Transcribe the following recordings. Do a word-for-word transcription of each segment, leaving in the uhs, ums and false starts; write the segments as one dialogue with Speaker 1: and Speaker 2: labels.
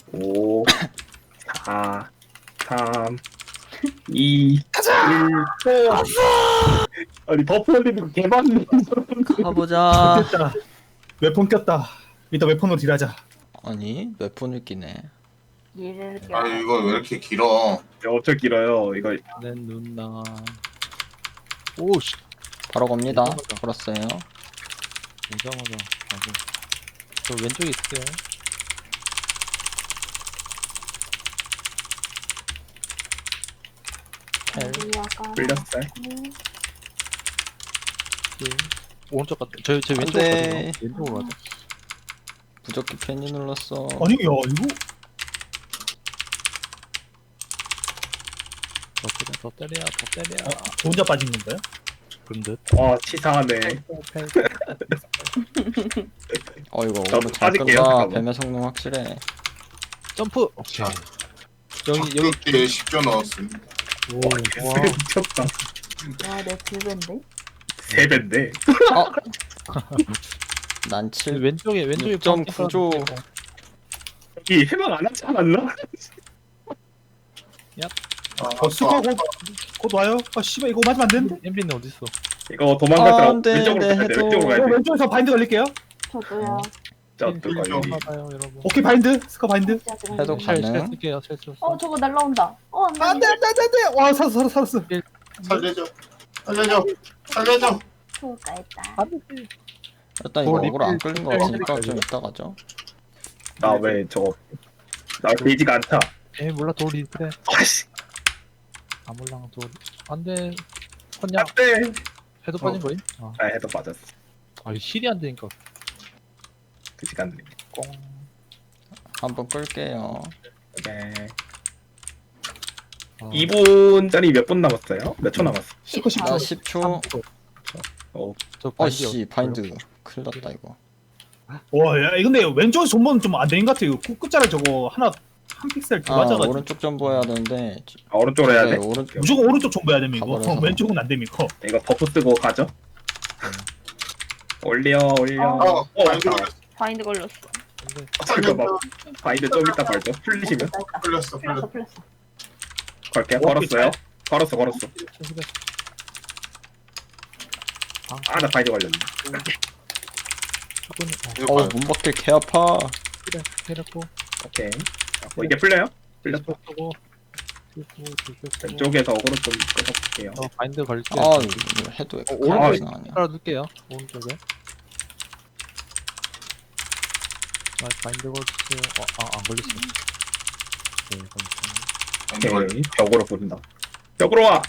Speaker 1: 오, 사, 삼, 이,
Speaker 2: 가자.
Speaker 1: 일, 아니 버프 올리는 거 개맞는
Speaker 3: 가보자.
Speaker 2: 됐다. 웨폰 꼈다. 이따 웨폰으로 딜하자.
Speaker 3: 아니 몇 분을 끼네.
Speaker 4: 이렇게
Speaker 5: 아 이거 왜 이렇게 길어?
Speaker 1: 엄청 길어요. 이거
Speaker 6: 내 누나. 오씨.
Speaker 3: 바로 겁니다.
Speaker 6: 이상하다.
Speaker 3: 걸었어요.
Speaker 6: 이상하다. 아주. 저 왼쪽에 있을게요.
Speaker 3: 텔.
Speaker 4: 약간
Speaker 1: 끌렸어요.
Speaker 6: 예. 오른쪽 갔다. 저, 저 왼쪽
Speaker 3: 돼.
Speaker 6: 가거든요. 왼쪽으로 가자.
Speaker 3: 무적기 괜히 눌렀어.
Speaker 2: 아니 야 이거
Speaker 6: 더 때려, 더 때려, 더 때려.
Speaker 2: 어, 저 혼자 빠진 건가요?
Speaker 6: 그런 듯.
Speaker 1: 와 치사하네.
Speaker 3: 어 이거
Speaker 1: 저도
Speaker 3: 오늘 잘
Speaker 1: 빠질게요,
Speaker 3: 끈다.
Speaker 1: 잠깐만.
Speaker 3: 뱀의 성능 확실해.
Speaker 6: 점프. 오케이. 여기 여기.
Speaker 5: 여기 십 조 넣었음.
Speaker 6: 오,
Speaker 1: 와,
Speaker 6: 와.
Speaker 1: 미쳤다.
Speaker 4: 와내 두배인데?
Speaker 1: 세 배인데.
Speaker 3: 어? 난
Speaker 6: 그
Speaker 3: 칠.
Speaker 6: 왼쪽에 왼쪽에
Speaker 3: 육 점
Speaker 6: 파운틴
Speaker 3: 구 조.
Speaker 6: 깔아줄게요.
Speaker 1: 여기 해방 안 하지 않았나?
Speaker 5: 아,
Speaker 2: 어 스코 곧, 곧 와요. 아 씨발 이거 맞으면 안 되는데.
Speaker 6: 엠비는 어디 있어?
Speaker 1: 이거 도망가더라.
Speaker 3: 아, 안 돼,
Speaker 1: 왼쪽으로
Speaker 3: 네,
Speaker 1: 가야 돼.
Speaker 3: 해도.
Speaker 1: 왼쪽으로 가야
Speaker 2: 어,
Speaker 1: 돼.
Speaker 2: 왼쪽에서 바인드 걸릴게요.
Speaker 4: 저도요.
Speaker 1: 저
Speaker 6: 일
Speaker 1: 또
Speaker 6: 점
Speaker 1: 여기.
Speaker 6: 받아요, 여러분.
Speaker 2: 오케이 바인드. 스코 바인드.
Speaker 3: 해독
Speaker 6: 쉘, 쉘
Speaker 3: 가능.
Speaker 6: 쓸게요, 쉘 쓸.
Speaker 4: 어 저거 날라온다. 어 안돼.
Speaker 2: 안돼 안돼 안돼 안돼. 와 살았어 살았어 살았어.
Speaker 5: 살려줘, 살려줘, 살려줘.
Speaker 4: 좋을까 했다.
Speaker 3: 일단 이거
Speaker 6: 어,
Speaker 3: 억울 안
Speaker 6: 리필
Speaker 3: 끌린 거
Speaker 6: 리필
Speaker 3: 같으니까
Speaker 6: 리필
Speaker 3: 좀 이따 가죠.
Speaker 1: 나 왜 저거 나 베이지가 안 타.
Speaker 6: 에이 몰라 돌이 그래.
Speaker 1: 아씨.
Speaker 6: 아몰랑 돌. 안돼. 혼냐.
Speaker 1: 안돼.
Speaker 6: 해도 빠진 거임? 아,
Speaker 1: 아 해도 빠졌어.
Speaker 6: 아 이 실이 안 되니까.
Speaker 1: 그 시간
Speaker 6: 꽁.
Speaker 3: 한번 끌게요.
Speaker 1: 네.
Speaker 6: 아,
Speaker 1: 이 분짜리 몇 분 남았어요? 몇 초 남았어?
Speaker 2: 스코 십 초.
Speaker 3: 나 십 초.
Speaker 1: 어,
Speaker 6: 저 바인드
Speaker 3: 어씨 바인드. 큰일 났다 이거.
Speaker 2: 와야 근데 왼쪽에 손보는 좀 안 되는 것 같아요. 코 끝자리 저거 하나 한 픽셀 더
Speaker 3: 아
Speaker 2: 맞아가지고.
Speaker 3: 오른쪽 전보 해야 되는데.
Speaker 1: 아, 오른쪽으로 해야
Speaker 3: 네,
Speaker 1: 돼?
Speaker 3: 오른쪽.
Speaker 2: 무조건 오른쪽 존버해야 됩니다. 이거
Speaker 3: 가버려서.
Speaker 2: 어, 왼쪽은 안 됩니다.
Speaker 1: 이거 버프 쓰고 가죠? 올려 올려.
Speaker 5: 어,
Speaker 1: 어,
Speaker 5: 바인드
Speaker 1: 아,
Speaker 5: 걸렸어.
Speaker 4: 바인드 걸렸어.
Speaker 6: 근데
Speaker 1: 잠깐만. 바인드 좀 이따 걸죠. 풀리시면
Speaker 4: 됐다, 됐다.
Speaker 5: 걸렸어,
Speaker 4: 풀렸어
Speaker 5: 걸렸어.
Speaker 4: 풀렸어.
Speaker 1: 걸게요. 걸었어요. 걸었어 걸었어.
Speaker 6: 실수가
Speaker 1: 아 나 바인드 걸렸네.
Speaker 6: 조금
Speaker 5: 이거
Speaker 3: 어
Speaker 5: 봐요.
Speaker 3: 문밖에 개 아파.
Speaker 6: 그래 해놓고
Speaker 1: 오케이. 어, 이게 풀려요? 풀렸어.
Speaker 6: 쓰고 쓰고 쓰고
Speaker 1: 왼쪽에서 어그로 좀 끌어볼게요.
Speaker 6: 어 바인드 걸릴게요.
Speaker 3: 아 이거 해도 왜
Speaker 6: 어,
Speaker 3: 이렇게
Speaker 6: 오른쪽에
Speaker 3: 나냐.
Speaker 6: 깔아둘게요. 오른쪽에. 아 바인드 걸주세요. 어아안 걸렸어. 네 걸렸어.
Speaker 5: 바인드 걸렸어.
Speaker 1: 오케이. 벽으로 부른다. 벽으로 와.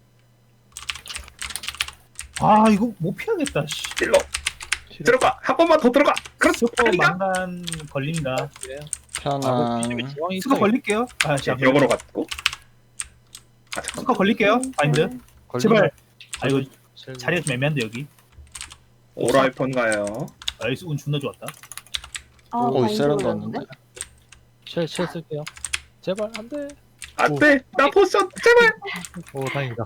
Speaker 2: 아 이거 못 피하겠다. 씨.
Speaker 1: 일로 들어가. 한 번만 더 들어가. 그렇지.
Speaker 2: 스코
Speaker 1: 아니가?
Speaker 2: 망간 걸립니다.
Speaker 3: 편안.
Speaker 6: 중앙이
Speaker 2: 스코
Speaker 6: 있어.
Speaker 2: 걸릴게요. 아 자,
Speaker 1: 벽으로 갔고. 아 잠깐.
Speaker 2: 스코 걸릴게요. 바인드. 제발. 아 이거
Speaker 6: 실-
Speaker 2: 자리가 좀 애매한데 여기.
Speaker 1: 오라이폰 가요.
Speaker 2: 나이스 운 존나 좋았다.
Speaker 4: 아,
Speaker 3: 오
Speaker 4: 바인드
Speaker 3: 세련도
Speaker 4: 걸렸는데?
Speaker 3: 왔는데.
Speaker 6: 쉘, 쉘 쓸게요. 제발 안돼.
Speaker 1: 안돼. 나 포션 제발.
Speaker 6: 오 다행이다.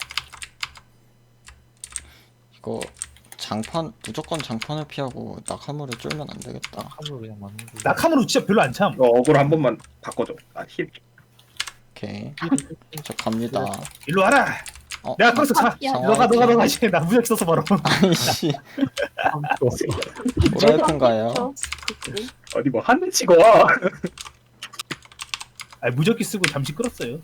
Speaker 3: 이거 장판 무조건 장판을 피하고 낙하물을 쫄면 안 되겠다.
Speaker 6: 함으로 그냥 맞는 거.
Speaker 2: 낙함으로 진짜 별로 안 참.
Speaker 1: 이거 어그로 한 번만 바꿔줘. 아 힐.
Speaker 3: 오케이. 저 갑니다.
Speaker 2: 일로 와라.
Speaker 3: 어,
Speaker 2: 내가 끌어서 가.
Speaker 4: 야,
Speaker 2: 너가 너가 너가 이제 나 무적 써서 바로.
Speaker 3: 아이씨. 오라이폰 가요.
Speaker 4: 저, 그치?
Speaker 1: 어디 뭐 한 대 치고 와.
Speaker 2: 아 무적기 쓰고 잠시 끌었어요.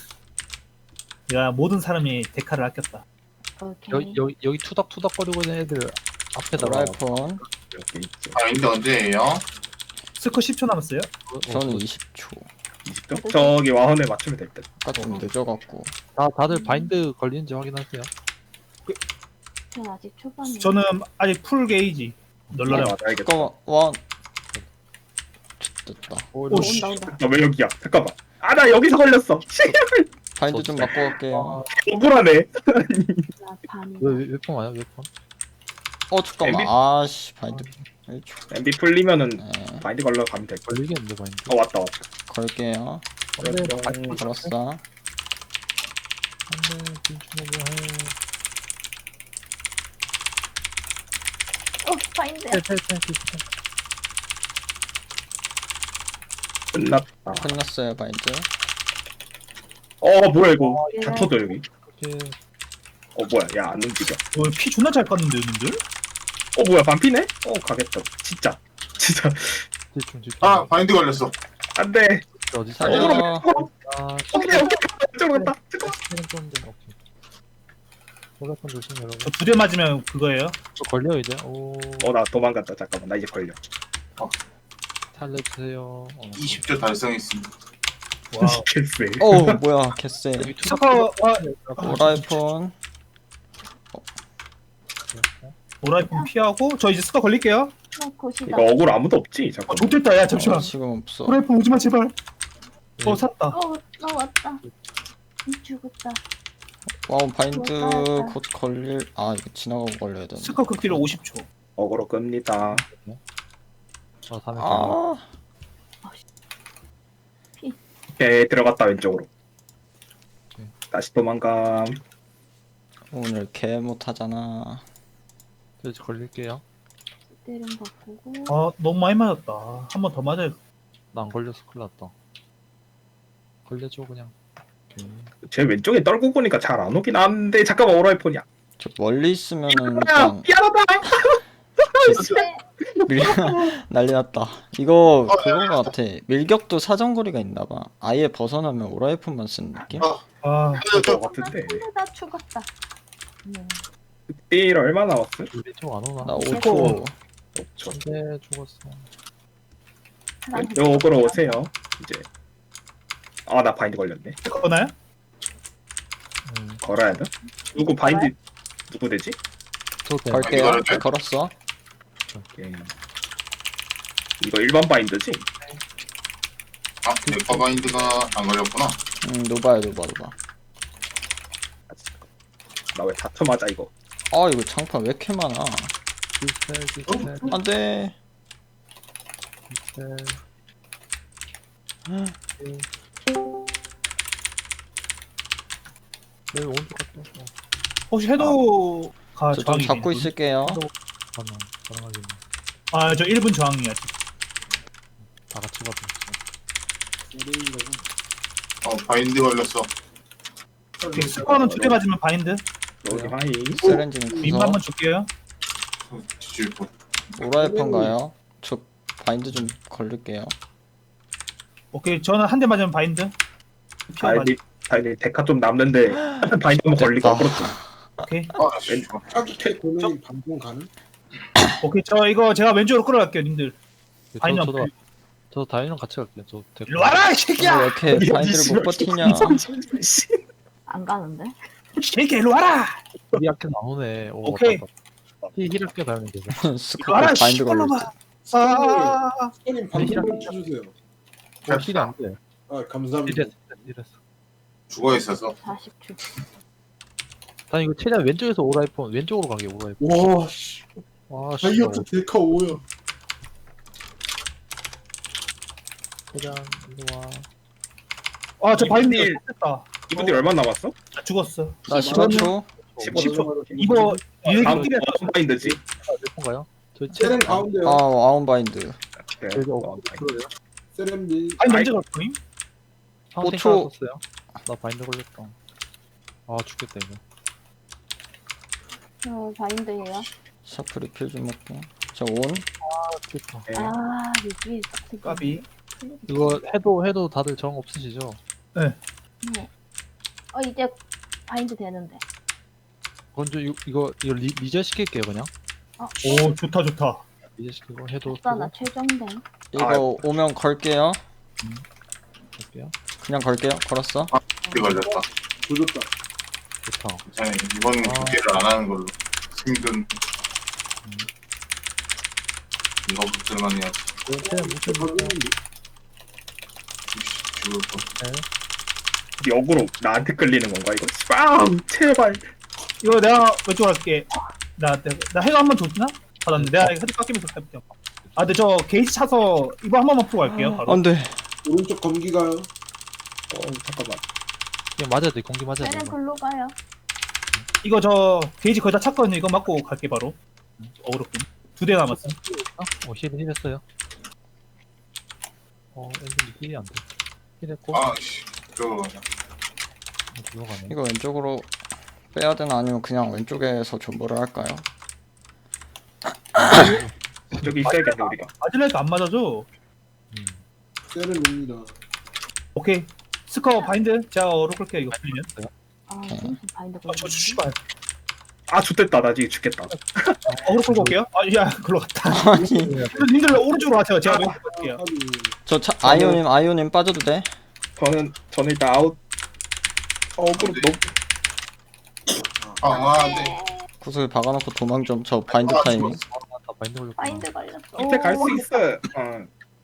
Speaker 2: 야 모든 사람이 데카를 아꼈다.
Speaker 4: 오케이.
Speaker 6: 여기 여기 여기 투닥투닥거리고 있는 애들 앞에다가
Speaker 3: 오라이폰.
Speaker 1: 여기 있죠.
Speaker 5: 바인드 언제예요?
Speaker 2: 스코 십 초 남았어요.
Speaker 6: 어,
Speaker 3: 저는
Speaker 6: 어,
Speaker 3: 이십 초.
Speaker 1: 이십 초? 저기 와헌에 맞추면 될 듯.
Speaker 3: 아까 좀 늦어갖고.
Speaker 6: 다 다들 바인드 걸리는지 확인하세요.
Speaker 4: 전 아직 초반이에요.
Speaker 2: 저는 아직 풀 게이지. 널널해.
Speaker 1: 아, 알겠다.
Speaker 3: 잠깐만 와. 됐다.
Speaker 6: 오,
Speaker 2: 오, 씨.
Speaker 4: 온다 온다.
Speaker 1: 나 왜 여기야? 잠깐만. 아 나 여기서 걸렸어.
Speaker 3: 바인드 좀 바꿔 갈게요.
Speaker 1: 억울하네.
Speaker 4: 나 반이.
Speaker 6: 왜몇번 와요? 몇 번?
Speaker 3: 어 잠깐만.
Speaker 1: 엠비?
Speaker 3: 아씨 바인드 일 초.
Speaker 1: 엠비 풀리면은
Speaker 3: 네.
Speaker 1: 바인드 걸러 가면 될 거.
Speaker 6: 걸리겠는데 바인드.
Speaker 1: 어 왔다 왔다.
Speaker 3: 걸게요.
Speaker 6: 안돼
Speaker 1: 뿅.
Speaker 3: 걸었어.
Speaker 6: 안돼 빈추먹어 해.
Speaker 4: 어 바인드.
Speaker 6: 텔텔텔
Speaker 1: 끝났다.
Speaker 3: 끝났어요 바인드.
Speaker 1: 어 뭐야 이거
Speaker 4: 예.
Speaker 1: 다 터져 여기.
Speaker 6: 이렇게
Speaker 1: 어 뭐야 야 안 움직여.
Speaker 2: 어, 피 존나 잘 깠는데 님들?
Speaker 1: 어 뭐야 반피네? 어 가겠다. 진짜 진짜
Speaker 6: 집중 집중.
Speaker 5: 아 바인드 걸렸어.
Speaker 1: 안돼.
Speaker 6: 어디
Speaker 3: 살려.
Speaker 6: 살려?
Speaker 3: 아,
Speaker 6: 아,
Speaker 1: 오케이 오케이 이쪽으로 갔다. 잠깐.
Speaker 6: 좀 좀, 오케이. 올라폰 조심 여러분.
Speaker 2: 저 두 대 맞으면 그거예요.
Speaker 6: 저 걸려 이제. 오.
Speaker 1: 어나 도망갔다. 잠깐만 나 이제 걸려.
Speaker 6: 살려주세요. 어.
Speaker 5: 이십 조 달성했습니다.
Speaker 2: 와우.
Speaker 1: 개쎄.
Speaker 3: 어 뭐야 개쎄.
Speaker 6: 여기 투
Speaker 2: 스커 아,
Speaker 3: 오라이폰.
Speaker 2: 오라이폰 피하고 저 이제 스커 걸릴게요.
Speaker 4: 어, 거시다.
Speaker 1: 이거 억울 아무도 없지
Speaker 2: 아
Speaker 1: 잠깐.
Speaker 2: 좋겠다. 야
Speaker 3: 어,
Speaker 2: 잠시만.
Speaker 3: 지금 없어.
Speaker 2: 오라이폰 오지마 제발.
Speaker 6: 네.
Speaker 2: 어 샀다.
Speaker 4: 어, 나 왔다. 죽었다.
Speaker 3: 와우 바인드
Speaker 4: 좋았다.
Speaker 3: 곧 걸릴. 아 이거 지나가고 걸려야 되는데.
Speaker 2: 스커 극딜 오십 초.
Speaker 1: 억울로 끕니다.
Speaker 6: 아, 다음에 걸려.
Speaker 3: 아
Speaker 1: 오케이 들어갔다 왼쪽으로.
Speaker 6: 오케이.
Speaker 1: 다시 도망감.
Speaker 3: 오늘 개 못하잖아.
Speaker 6: 저 이제 걸릴게요.
Speaker 4: 때름 바꾸고.
Speaker 2: 아 너무 많이 맞았다. 한 번 더 맞아야.
Speaker 6: 나 안 걸려서 큰일 났다. 걸려줘 그냥. 오케이.
Speaker 1: 제 왼쪽에 떨고 보니까 잘 안 오긴 하는데 잠깐만 오라이폰이야.
Speaker 3: 저 멀리 있으면은
Speaker 1: 야
Speaker 3: 일단
Speaker 1: 미안하다.
Speaker 4: 네.
Speaker 3: 밀 난리 났다. 이거 그거 같아. 밀격도 사정거리가 있나봐. 아예 벗어나면 오라이폰만 쓰는 느낌?
Speaker 5: 아,
Speaker 2: 아
Speaker 1: 그럴 것 같은데.
Speaker 4: 근데 나 죽었다. 네.
Speaker 1: 딜 얼마 남았어?
Speaker 6: 우리 쪽안 오나?
Speaker 3: 나 오 초.
Speaker 2: 저거-
Speaker 1: 저
Speaker 6: 근데 죽었어.
Speaker 4: 나
Speaker 1: 왼쪽으로 오세요. 이제. 아 나 바인드 걸렸네.
Speaker 2: 스커나요?
Speaker 6: 음.
Speaker 1: 걸어야 돼? 누구 바인드 누구 되지?
Speaker 6: 저 때.
Speaker 3: 걸게요.
Speaker 5: 이거를 돼?
Speaker 3: 걸었어.
Speaker 1: 오케이. 이거 일반 바인드지?
Speaker 5: 아, 내거 바인드가 안 걸렸구나.
Speaker 3: 음 노바야 노바 노바.
Speaker 1: 나 왜 다투 맞아 이거?
Speaker 3: 아 이거 장판 왜 이렇게 많아?
Speaker 6: 디스펠 디스펠
Speaker 3: 안돼.
Speaker 6: 디스펠. 내 오른쪽 갔다. 어,
Speaker 2: 혹시 해도가
Speaker 3: 저 좀
Speaker 2: 저항이
Speaker 3: 잡고 있을게요.
Speaker 6: 가능 가능하겠네.
Speaker 2: 아저 일 분 저항이야.
Speaker 6: 다 같이 가도 있어.
Speaker 5: 어, 바인드 걸렸어.
Speaker 2: 오케이, 스커는 두 대 맞으면 바인드.
Speaker 1: 여기 하이.
Speaker 3: 세렌지는
Speaker 2: 림
Speaker 3: 구석.
Speaker 2: 한번 줄게요.
Speaker 5: 뒤질 뻔.
Speaker 3: 오라이폰 가요. 저 바인드 좀 걸릴게요.
Speaker 2: 오케이 저는 한 대 맞으면 바인드. 피어 맞.
Speaker 1: 바인드 바인드 데카 좀 남는데 바인드 한번 걸리고
Speaker 3: 됐다.
Speaker 1: 그렇죠.
Speaker 2: 오케이
Speaker 5: 아, 씨.
Speaker 7: 타깃 고객님 방송 가능?
Speaker 2: 오케이 저 이거 제가 왼쪽으로 끌어갈게요 님들.
Speaker 6: 저,
Speaker 2: 바인드
Speaker 6: 저도
Speaker 2: 안
Speaker 6: 저도 다인이랑 같이 갈게요. 저 데리고.
Speaker 2: 일로 와라 이
Speaker 3: 왜
Speaker 2: 새끼야.
Speaker 3: 이렇게 바인드를 못 버티냐?
Speaker 4: 안 가는데?
Speaker 2: 이 새끼야 일로 와라.
Speaker 6: 우리 약해 나오네. 오,
Speaker 2: 오케이.
Speaker 6: 히 히랍게 다니면 되죠.
Speaker 2: 일로
Speaker 3: 스카프
Speaker 2: 와라
Speaker 3: 바인드 걸렸어.
Speaker 2: 씨발놈아. 아
Speaker 7: 형님 방송 좀 쳐주세요.
Speaker 6: 어, 힐이 안 돼.
Speaker 7: 아 감사합니다.
Speaker 6: 힐했어. 힐했어.
Speaker 5: 죽어 있어서.
Speaker 4: 사십 초.
Speaker 6: 난 이거 최대한 왼쪽에서 오라이폰 왼쪽으로 가게 오라이폰.
Speaker 7: 와 씨.
Speaker 6: 와 씨.
Speaker 7: 다이어트 데카 오야.
Speaker 6: 최대한 일로 와.
Speaker 2: 아, 저 바인드
Speaker 1: 이분들-
Speaker 2: 됐다.
Speaker 1: 이분들 얼마 남았어?
Speaker 2: 아, 죽었어.
Speaker 3: 나 십오 초.
Speaker 2: 십오 초. 이거
Speaker 1: 다음
Speaker 2: 일기
Speaker 1: 다음 바인드지?
Speaker 6: 몇분가요? 저
Speaker 7: 세렘
Speaker 6: 최대한
Speaker 3: 아
Speaker 7: 가운데요.
Speaker 3: 아웃 바인드.
Speaker 1: 오케이.
Speaker 6: 저기
Speaker 1: 어,
Speaker 6: 어, 그러래요?
Speaker 7: 세렘비.
Speaker 2: 바인드 언제 갈 거임?
Speaker 3: 오
Speaker 6: 오
Speaker 3: 초.
Speaker 6: 초. 나 바인드 걸렸다. 아 죽겠다 이거.
Speaker 4: 저 바인드예요.
Speaker 3: 샤프 리필 좀 먹고. 저 온.
Speaker 6: 아 죽겠다.
Speaker 1: 오케이.
Speaker 4: 아, 여기 있어.
Speaker 2: 까비.
Speaker 6: 이거 해도 해도 다들 정 없으시죠?
Speaker 4: 네. 어, 이제 바인드 되는데.
Speaker 6: 먼저 이거 이거, 이거 리, 리저 시킬게요 그냥.
Speaker 4: 어,
Speaker 2: 오, 좋다, 좋다.
Speaker 6: 리저 시키고 해도
Speaker 4: 아싸, 나 최종된.
Speaker 3: 이거
Speaker 1: 아이고.
Speaker 3: 오면 걸게요.
Speaker 6: 볼게요.
Speaker 3: 그냥 걸게요. 걸었어.
Speaker 5: 바인드 걸렸다.
Speaker 7: 조졌다.
Speaker 6: 좋다.
Speaker 5: 괜찮아. 이번엔
Speaker 6: 아.
Speaker 5: 국제를 안 하는 걸로. 힘든. 이거 붙들만 해야지.
Speaker 6: 최대한 무슨
Speaker 7: 방송인데.
Speaker 5: 죽을 뻔.
Speaker 1: 역으로 나한테 끌리는 건가 이거? 빵! 제발.
Speaker 2: 이거 내가 왼쪽으로 할게. 나, 나, 나 해가 한 번 줬나? 받았는데 내가 헤드 깎이면서 해볼게. 아, 근데 저 게이지 차서 이거 한 번만 풀고 갈게요. 바로.
Speaker 3: 안돼.
Speaker 7: 오른쪽 검기 가요.
Speaker 1: 어 잠깐만.
Speaker 6: 그냥 맞아야 돼. 공기 맞아야 돼.
Speaker 4: 때는
Speaker 6: 이거.
Speaker 4: 글로 가요.
Speaker 2: 이거 저 게이지 거의 다 찼거든요. 이거 맞고 갈게 바로. 어그로군. 두 대 남았어.
Speaker 6: 어 힐 힐했어요. 어 엔진 힐이 안돼 힐했고
Speaker 5: 아씨 저
Speaker 6: 들어가네
Speaker 3: 이거 왼쪽으로 빼야 되나 아니면 그냥 왼쪽에서 존버를 할까요?
Speaker 1: 저기 있어야겠네 우리가.
Speaker 2: 맞을래도 안 맞아줘.
Speaker 6: 음.
Speaker 7: 세렘입니다.
Speaker 2: 오케이. 스커 바인드. 제가 어로 끌게요 이거 풀리면.
Speaker 4: 아,
Speaker 3: 오케이.
Speaker 4: 좀 바인드
Speaker 2: 아, 저
Speaker 4: 걸리네.
Speaker 2: 씨발.
Speaker 1: 아 좋댔다 나 지금 죽겠다.
Speaker 2: 어로 끌고 올게요. 아, 야, 글로 갔다.
Speaker 3: 아니
Speaker 2: 님들 오른쪽으로 가세요. 제가 왼쪽 갈게요.
Speaker 7: 하비.
Speaker 3: 저 차, 아이오님 아이오님 빠져도 돼?
Speaker 1: 저는 저는 일단 아웃. 어 그럼 너무
Speaker 5: 아, 네.
Speaker 3: 구슬 박아놓고 도망 좀. 저 바인드
Speaker 5: 아,
Speaker 3: 타이밍.
Speaker 6: 아 바인드 걸렸구나
Speaker 4: 바인드 걸렸어.
Speaker 1: 밑에 갈 수
Speaker 4: 오,
Speaker 1: 있어. 어.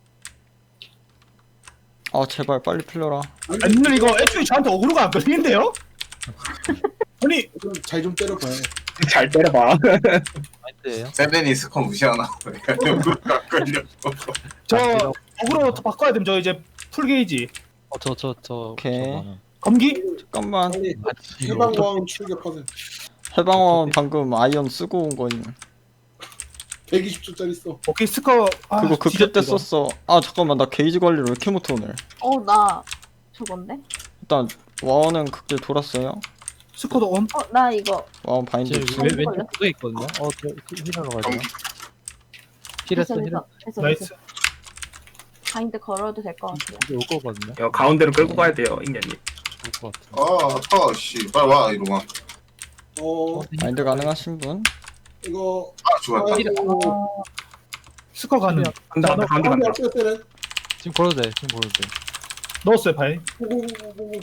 Speaker 3: 아 제발 빨리 풀려라.
Speaker 2: 아, 님들 이거 애초에 저한테 어그로가 안 걸리는데요? 아니,
Speaker 7: 그럼 잘 좀 때려봐요.
Speaker 1: 잘 때려봐.
Speaker 6: 바인드예요
Speaker 5: 세븐이 스커 무시하나? 누가 걸렸어?
Speaker 2: 저
Speaker 6: 아,
Speaker 2: 어그로 더 바꿔야 됨. 저 이제 풀 게이지.
Speaker 6: 어저 저 저
Speaker 3: 오케이.
Speaker 2: 검기?
Speaker 3: 잠깐만.
Speaker 7: 빨리
Speaker 6: 아니
Speaker 7: 해방광 출격하세요.
Speaker 3: 해방원 방금 아이언 쓰고 온 거임.
Speaker 7: 백이십 초짜리 써.
Speaker 2: 오케이, 스커. 아,
Speaker 3: 그거 극대
Speaker 2: 뒤졌다,
Speaker 3: 때
Speaker 2: 이거.
Speaker 3: 썼어. 아 잠깐만 나 게이지 관리를 왜 이렇게 못해 오늘.
Speaker 4: 어, 나 저건데?
Speaker 3: 일단 와원은 극대 돌았어요.
Speaker 2: 스커도 온.
Speaker 4: 어, 나 이거
Speaker 3: 와원 바인드
Speaker 6: 제
Speaker 3: 없음.
Speaker 6: 왼- 왼쪽 구석에 있거든요 어저 힐하러 가야 돼요 힐했어
Speaker 4: 됐어,
Speaker 6: 힐했어
Speaker 4: 됐어, 됐어, 됐어.
Speaker 2: 나이스.
Speaker 4: 바인드 걸어도 될 것 같아요.
Speaker 6: 이제 올 거거든요
Speaker 1: 야 가운데로 끌고 가야 돼요 인연이.
Speaker 6: 올 거 같아
Speaker 5: 아, 아파, 씨. 빨리 와, 이놈아.
Speaker 7: 어
Speaker 3: 바인드 가능하신 분?
Speaker 7: 이거
Speaker 5: 아, 죽었다.
Speaker 7: 아이고.
Speaker 2: 스커 가는.
Speaker 1: 간다 간다 간다 간다.
Speaker 7: 어때요 세렘?
Speaker 6: 지금 걸어도 돼 지금 걸어도 돼
Speaker 2: 넣었어요, 바인.
Speaker 7: 고고고고고.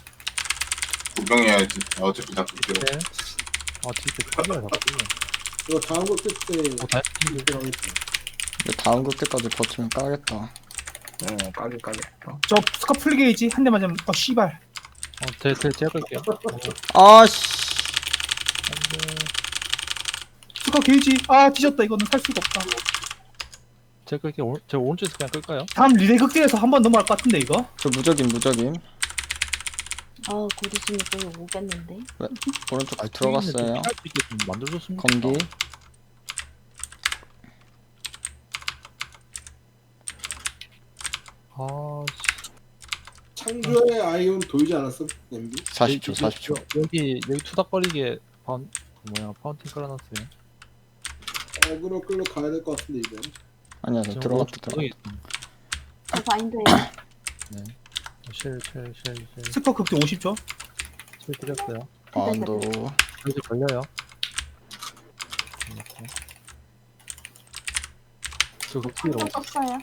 Speaker 5: 구경해야지. 어차피 다 끌게요.
Speaker 6: 네. 아 진짜 카메라 다 끌려
Speaker 7: 이거 다음 거 끝때
Speaker 6: 어 다행히
Speaker 7: 이때 가겠다.
Speaker 3: 근데 다음 극대까지 버티면 까겠다.
Speaker 1: 어 까게 까게. 어.
Speaker 2: 저 스커 풀 게이지 한 대 맞으면 어 씨발.
Speaker 6: 어제 제 제가 끌게요
Speaker 3: 아씨.
Speaker 2: 스커 게이지. 아, 뒤졌다. 이거는 살 수가 없다.
Speaker 6: 제가 끌게요 오- 제가 오른쪽에서 그냥 끌까요?
Speaker 2: 다음 리레이 극대에서 한 번 넘어갈 것 같은데 이거.
Speaker 3: 저 무적임 무적임.
Speaker 4: 아, 곧 있으면 또 오겠는데?
Speaker 3: 오른쪽
Speaker 6: 아,
Speaker 3: 들어갔어요.
Speaker 6: 할수 있게 좀 만들어줬으면
Speaker 3: 검기.
Speaker 6: 아
Speaker 7: 창조의 아이온 보이지 않았어? 엠비?
Speaker 3: 사십 초 사십 초.
Speaker 6: 여기 여기 투닥거리게 파운 그 뭐야 파운틴 깔아놨어요
Speaker 7: 어그로 끌러 가야 될 것 같은데 이제.
Speaker 3: 아니야 저
Speaker 6: 지금
Speaker 3: 들어갔다
Speaker 6: 오른쪽
Speaker 3: 들어갔다.
Speaker 6: 구석에 있습니다.
Speaker 4: 저 바인드예요.
Speaker 6: 쉘쉘쉘쉘
Speaker 2: 스커 극대 오십 초.
Speaker 6: 쉘 드렸어요
Speaker 3: 와운도.
Speaker 6: 이제 걸려요 이렇게 저 극기로
Speaker 4: 한번 썼어요.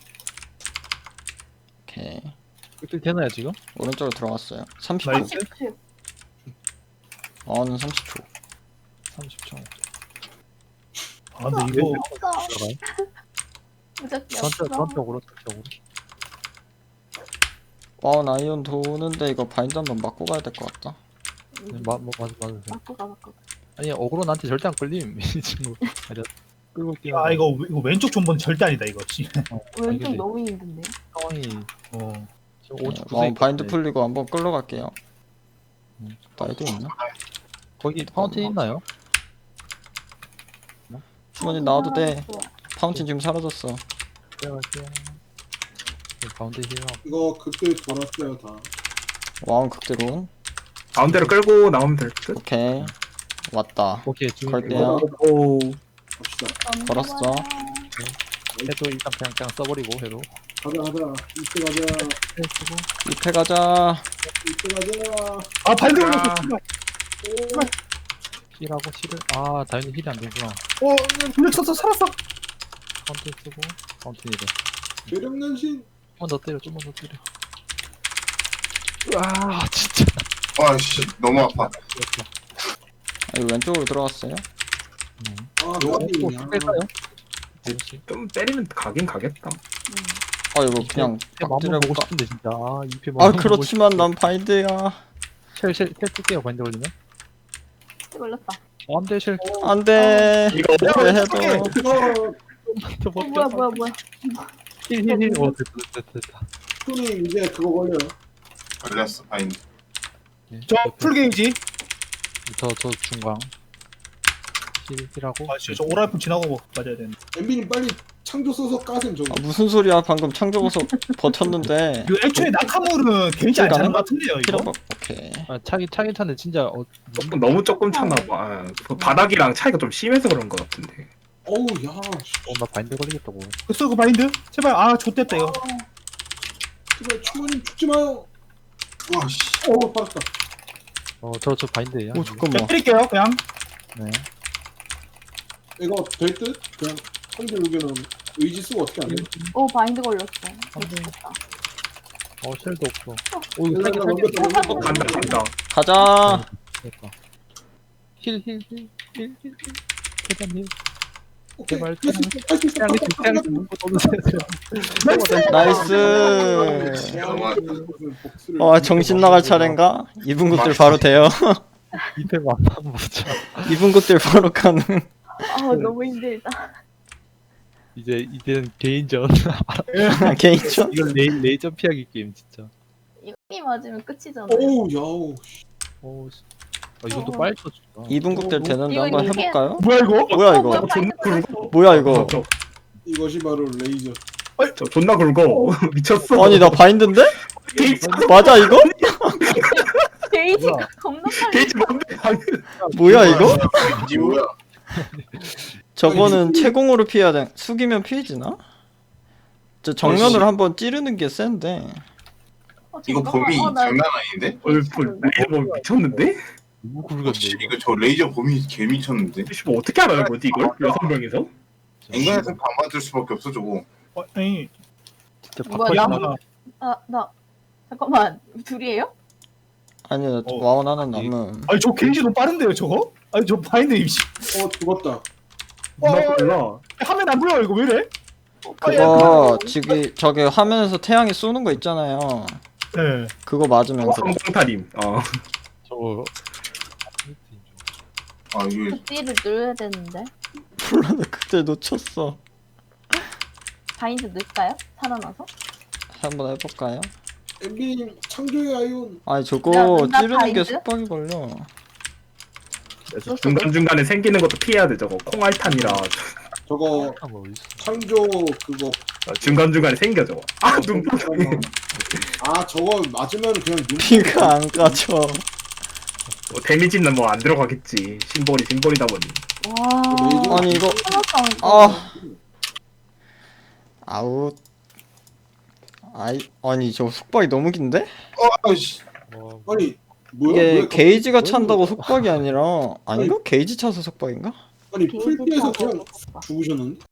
Speaker 3: 오케이.
Speaker 6: 극기 되나요 지금?
Speaker 3: 오른쪽으로 들어갔어요. 삼십 초.
Speaker 2: 나이스.
Speaker 4: 십.
Speaker 3: 와운은 삼십 초.
Speaker 6: 삼십 초
Speaker 2: 아, 근데 이거
Speaker 4: 없어.
Speaker 6: 들어가요?
Speaker 4: 무적기
Speaker 6: 전체
Speaker 4: 없어.
Speaker 6: 전적으로 전적으로
Speaker 3: 와운 아이언 도는데 이거 바인드 한번 맞고 가야 될 것 같다.
Speaker 6: 네, 마, 뭐, 맞아 맞으세요
Speaker 4: 맞고 가, 맞고 가.
Speaker 6: 아니 어그로 나한테 절대 안 끌림 이 친구 아니야 끌고 있긴
Speaker 2: 아, 이거 이거 왼쪽 존버는 절대 아니다 이거. 씨.
Speaker 4: 왼쪽
Speaker 6: 근데-
Speaker 4: 너무 힘든데?
Speaker 6: 상황이 어 지금
Speaker 3: 네,
Speaker 6: 오른쪽 구석에
Speaker 3: 와운 바인드
Speaker 6: 있거든요.
Speaker 3: 풀리고 한번 끌러 갈게요.
Speaker 6: 음.
Speaker 3: 나이도 있나?
Speaker 6: 거기 파운틴 있나요?
Speaker 3: 주머니 나와도 돼. 파운틴 지금 사라졌어.
Speaker 6: 들어갈게요 네, 가운데 힐하고
Speaker 7: 이거 그때 돌았어요 다.
Speaker 3: 와운 극대로.
Speaker 1: 가운데로 끌고 나오면 될 듯.
Speaker 3: 오케이. 왔다.
Speaker 6: 오케이 지금
Speaker 3: 걸게요.
Speaker 1: 오.
Speaker 7: 갑시다.
Speaker 3: 걸었어.
Speaker 6: 해도 일단 그냥 그냥 써버리고 해도
Speaker 7: 가자 가자. 이때 가자.
Speaker 6: 해 쓰고
Speaker 3: 이패 가자.
Speaker 7: 이때 가자.
Speaker 2: 아, 바인드
Speaker 1: 아.
Speaker 2: 걸렸어. 씨발.
Speaker 6: 힐하고 힐을 아 다행히 힐이 안 되구나
Speaker 2: 어, 블랙 썼어. 살았어.
Speaker 6: 파운틴 쓰고 파운틴이래
Speaker 7: 괴력난신.
Speaker 6: 좀만 더 때려 좀만 더 때려 아 진짜
Speaker 5: 아, 씨. 너무 아파.
Speaker 3: 아, 이거 왼쪽으로 들어갔어요.
Speaker 6: 음.
Speaker 7: 아
Speaker 6: 이거
Speaker 7: 까비.
Speaker 6: 또 뺄까요?
Speaker 1: 좀 때리면 가긴 가겠다.
Speaker 3: 아 이거 그냥
Speaker 6: 맘
Speaker 3: 빡들여
Speaker 6: 보고
Speaker 3: 볼까?
Speaker 6: 싶은데 진짜 아 이패
Speaker 3: 아 그렇지만 난 바인드야.
Speaker 6: 쉘쉘 쉘 뜰게요 바인드 걸리면
Speaker 4: 걸렸다.
Speaker 6: 어, 안돼 쉘
Speaker 3: 안돼.
Speaker 1: 이거
Speaker 3: 왜 해도.
Speaker 7: 이거
Speaker 6: 저
Speaker 4: 어, 뭐야, 뭐야, 뭐야.
Speaker 6: 힐힐힐 어 됐다 됐다 됐다
Speaker 7: 손이 이제 그거 걸려요.
Speaker 5: 걸렸어, 바인드.
Speaker 2: 저 풀 게이지.
Speaker 6: 저저 중광 힐 힐하고
Speaker 2: 아, 씨, 저 오라이프 지나고 맞아야 되는데.
Speaker 7: 엠비님 빨리 창조 써서 까셈 저거.
Speaker 3: 아, 무슨 소리야? 방금 창 적어서 버텼는데.
Speaker 2: 이거 애초에 나카물은 개인지 안 차는 것 같은데요 이거.
Speaker 3: 피라박. 오케이.
Speaker 6: 아, 차긴 차긴 차는데 진짜 어,
Speaker 1: 조금 너무 조금 찼나 봐. 아, 그 바닥이랑 차이가 좀 심해서 그런 것 같은데.
Speaker 7: 어우 야. 씨.
Speaker 6: 어, 나 바인드 걸리겠다고.
Speaker 2: 됐어 그 바인드? 제발 아 좆됐다 이거.
Speaker 7: 제발 충원님 죽지 마요.
Speaker 5: 와 씨.
Speaker 7: 어 받았다.
Speaker 6: 어, 저 저 바인드예요.
Speaker 3: 오 잠깐만.
Speaker 2: 자, 때릴게요 그냥.
Speaker 6: 네.
Speaker 7: 이거 될 듯? 그냥 상대 의견은 의지 쓰고 어떻게 안 돼?
Speaker 4: 오 바인드 걸렸어.
Speaker 6: 안 돼.
Speaker 4: 됐다.
Speaker 6: 어, 쉘도 없어. 오, 이거
Speaker 7: 일단
Speaker 6: 살기
Speaker 7: 넘겼다,
Speaker 6: 살기.
Speaker 7: 넘겼다.
Speaker 1: 어, 간다 간다.
Speaker 3: 가자.
Speaker 6: 됐다. 힐, 힐, 힐, 힐, 힐, 힐. 대단히.
Speaker 7: 오케이.
Speaker 6: 제발,
Speaker 7: 할수 있어. 할수 있어.
Speaker 6: 태양이 태양이 죽는 거 떠드세요.
Speaker 3: 나이스.
Speaker 7: 복수를
Speaker 3: 어 정신 나갈 차례인가? 이분 극들 바로 돼요.
Speaker 6: 이패 만나면 보자.
Speaker 3: 이분 극들 바로 가는.
Speaker 4: 아 너무 힘들다.
Speaker 6: 이제 이제는 개인전.
Speaker 3: 개인전.
Speaker 6: 이건 레이 레이저 피하기 게임 진짜.
Speaker 4: 이거 이 맞으면 끝이잖아.
Speaker 7: 오우 야우.
Speaker 6: 오, 씨. 아, 이건 또 빨리 쳐준다.
Speaker 3: 이분 극들 되는데
Speaker 4: 이거
Speaker 3: 한번
Speaker 4: 이게-
Speaker 3: 해볼까요?
Speaker 2: 뭐야 이거?
Speaker 3: 뭐야
Speaker 4: 어,
Speaker 3: 이거?
Speaker 4: 뭐야,
Speaker 1: 존나
Speaker 4: 바인드
Speaker 1: 굵어.
Speaker 3: 뭐야 이거?
Speaker 1: 저,
Speaker 7: 이것이 바로 레이저.
Speaker 1: 저 존나 굵어. 미쳤어.
Speaker 3: 아니 나 바인드인데?
Speaker 1: 게이지
Speaker 3: 맞아 이거?
Speaker 4: 게이지가
Speaker 6: 뭐야?
Speaker 4: 겁나 빨리.
Speaker 1: 게이지 뭔데? 방금.
Speaker 3: 뭐야 이거?
Speaker 5: 이게 뭐야?
Speaker 3: 저거는 채공으로 피해야 돼. 숙이면 피해지나? 저 정면으로 한번 찌르는 게 센데.
Speaker 4: 어,
Speaker 5: 이거
Speaker 4: 잠깐만.
Speaker 5: 범위
Speaker 4: 어, 나
Speaker 5: 장난 아닌데?
Speaker 1: 어, 레이저 뭐 미쳤는데?
Speaker 6: 너무
Speaker 5: 어,
Speaker 6: 굵은데
Speaker 5: 씨,
Speaker 6: 이거.
Speaker 5: 이거 저 레이저 범위 개 미쳤는데?
Speaker 1: 씨, 뭐 어떻게 알아요, 뭐지 이걸? 여섯 명에서?
Speaker 5: 인간에서 안 맞을 수밖에 없어 저거.
Speaker 2: 어, 아니
Speaker 6: 진짜
Speaker 4: 뭐야,
Speaker 6: 바꿔.
Speaker 2: 야
Speaker 4: 나- 아, 나 잠깐만 둘이에요?
Speaker 3: 아니 나
Speaker 2: 어.
Speaker 3: 와운 하나 남음.
Speaker 2: 아니 저 개인지 너무 빠른데요 저거? 아니 저 바인드 임시.
Speaker 7: 어 죽었다.
Speaker 1: 존나 몰라.
Speaker 2: 화면 안 보여 이거 왜 이래?
Speaker 3: 그거 지금 저기 화면에서 태양이 쏘는 거 있잖아요.
Speaker 2: 네.
Speaker 3: 그거 맞으면 그래.
Speaker 1: 성공타림. 어.
Speaker 6: 저거.
Speaker 5: 아 이게
Speaker 4: 극딜을 눌러야 되는데
Speaker 3: 몰라 나 그때 놓쳤어.
Speaker 4: 바인드 넣을까요? 살아나서?
Speaker 3: 한번 해볼까요?
Speaker 7: 엠비님 창조의 아이온.
Speaker 3: 아니
Speaker 4: 나-
Speaker 3: 저거
Speaker 4: 나
Speaker 3: 찌르는 게
Speaker 4: 바인드?
Speaker 3: 속박이 걸려.
Speaker 1: 중간 중간에 생기는 것도 피해야 돼 저거. 콩알탄이라
Speaker 7: 저거
Speaker 6: 아, 뭐 있어.
Speaker 7: 창조 그거.
Speaker 1: 중간 중간에 생겨 저거. 아 눈뽕.
Speaker 7: 아 저거 맞으면 그냥 눈.
Speaker 3: 피가 안 까져.
Speaker 1: 뭐 데미지는 뭐 안 들어가겠지. 심볼이 심볼이다 보니.
Speaker 4: 와
Speaker 3: 아니 이거
Speaker 4: 하나상
Speaker 3: 아 아웃. 아이 아니 저 속박이 너무 긴데?
Speaker 5: 어 아씨.
Speaker 6: 와,
Speaker 7: 아니 뭐야?
Speaker 3: 이게
Speaker 7: 왜
Speaker 3: 게이지가
Speaker 7: 갑자기-
Speaker 3: 찬다고 속박이 아니라 아닌가? 게이지 차서 속박인가?
Speaker 7: 아니
Speaker 4: 게이지
Speaker 7: 풀피에서
Speaker 4: 타고
Speaker 7: 그냥 죽으셨는데?